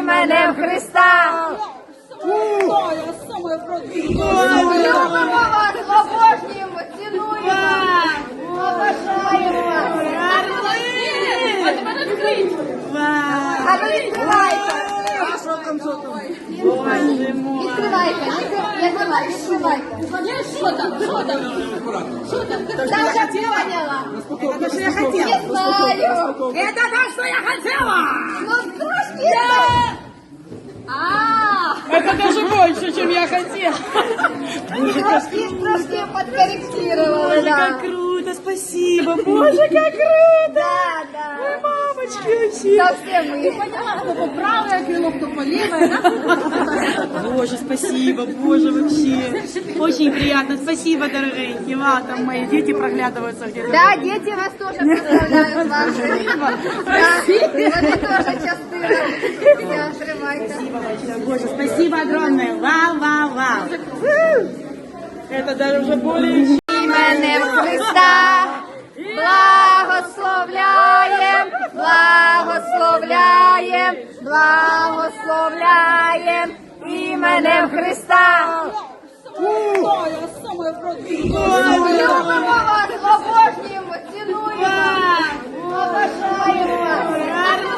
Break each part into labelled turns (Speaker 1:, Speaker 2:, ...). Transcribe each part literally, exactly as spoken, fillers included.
Speaker 1: іменем Христа. Любимо вас, обожнюємо, цінуємо, поважаємо вас. А ну відкривайте.
Speaker 2: Що там, що там?
Speaker 1: Відкривайте, відкривайте, відкривайте.
Speaker 3: Що там? Що там? Що там?
Speaker 1: Там же поняла.
Speaker 2: Это что я
Speaker 1: Не
Speaker 2: хотела.
Speaker 1: знаю.
Speaker 2: Это то, что я хотела.
Speaker 1: Ну трошки так. А,
Speaker 3: Это даже больше, чем я хотела.
Speaker 1: трошки, трошки подкорректировала, да.
Speaker 3: Как круто, спасибо. Боже, как круто.
Speaker 1: Да, да.
Speaker 3: Мамочки вообще.
Speaker 1: Совсем мы.
Speaker 3: Кто правое крыло, кто по левое, да? Боже, спасибо, боже, вообще. Очень приятно. Спасибо, дорогие. Ва, там мои дети проглядываются где-то.
Speaker 1: Да, дети вас тоже представляют ваши. Да, вони тоже частина. Все, тримайте.
Speaker 3: Боже, спасибо огромное. Вау, вау, вау. Это даже уже более...
Speaker 1: Іменем Христа благословляєм, благословляєм, благословляєм іменем Христа. Любимо вас, обожнюємо, цінуємо, поважаємо вас.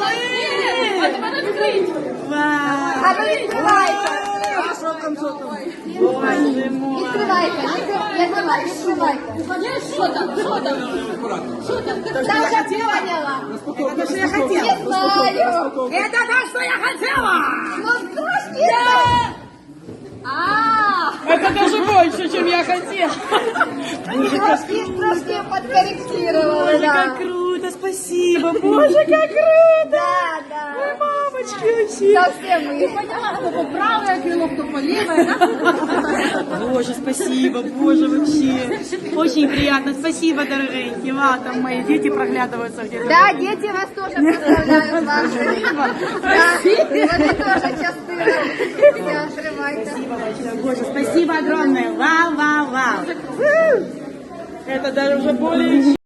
Speaker 1: А ну відкривайте.
Speaker 2: Що там, що там?
Speaker 1: Відкривайте, відкривайте, відкривайте.
Speaker 3: Что там? Что там?
Speaker 1: Там же поняла.
Speaker 2: Это что я хотела.
Speaker 1: Не знаю.
Speaker 2: Это то, что я хотела.
Speaker 1: Ну трошки так. А,
Speaker 3: Это даже больше, чем я хотела.
Speaker 1: трошки, трошки подкорректировала, да.
Speaker 3: Как круто, спасибо. Боже, как круто.
Speaker 1: Да, да.
Speaker 3: Мамочки вообще.
Speaker 1: Совсем мы.
Speaker 3: Кто правое крыло, кто по левое, да? Боже, спасибо, боже, вообще. Очень приятно. Спасибо, дорогие. Ва, там мои дети проглядываются где-то.
Speaker 1: Да, дети вас тоже представляют ваши. Да, вони тоже частина. Все, тримайте.
Speaker 3: Боже, спасибо огромное. Вау, вау, вау. Это даже уже более...